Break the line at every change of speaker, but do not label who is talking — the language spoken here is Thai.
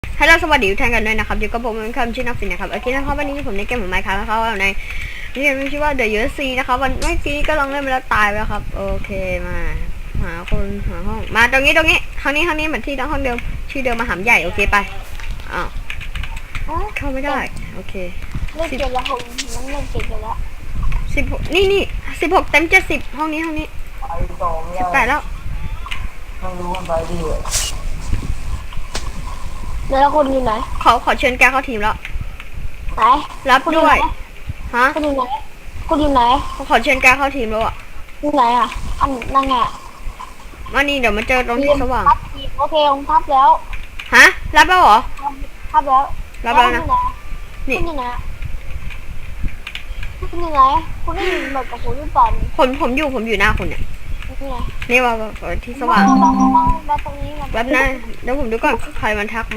ฮัลโหลสวัสดีทุกท่านกันด้วยนะครับอยู่กับผมเป็นคำชื่อนักฟินนะครับโอเคนะครับวันนี้ผมในเกมของไมค์ครับนะครับในนี่มันชื่อว่า The USC นะครับวันเมื่อกี้ก็ลองเล่นไปแล้วตายไปแล้วครับโอเคมาหาคนหาห้องมาตรงนี้ห้องนี้เหมือนที่ห้องเดิมชื่อเดิมมหาใหญ่โอเคไปอ้าวเข้าไม่ได้โอเค
เล่นเกมแล้วผมนั่งเล่นเกมแล้ว
16นี่16เต็ม70ห้องนี้18แล้ว
ต้องรู้กันไปดิ
แล้วคนอยู่ไหน
ขอเชิญแกเข้าทีมแล้ว
ไหน
รับด้วยฮะ
คุณอยู่ไหนคุณอยู่ไหน
ขอเชิญแกเข้าทีมแล้วอ่ะ
อยู่ไหนอ่ะอันนั่งไง
มานี่เดี๋ยวมาเจอตรงที่สว่าง
โอเคผมทับแล้ว
ฮะรับแล้วเหรอ
ทับแล้ว
รับแล้วนะ
นี่คุณอยู่ไหนคุณอยู่ไหนคุณได้ยินแบบกับผมหรือเปล่า
ผมอยู่หน้าคุณเนี่ยนี่ว่าที่สว่าง
แล้วตรงนี้
แป๊บนะเดี๋ยวผมดูก่อนใครมันทัก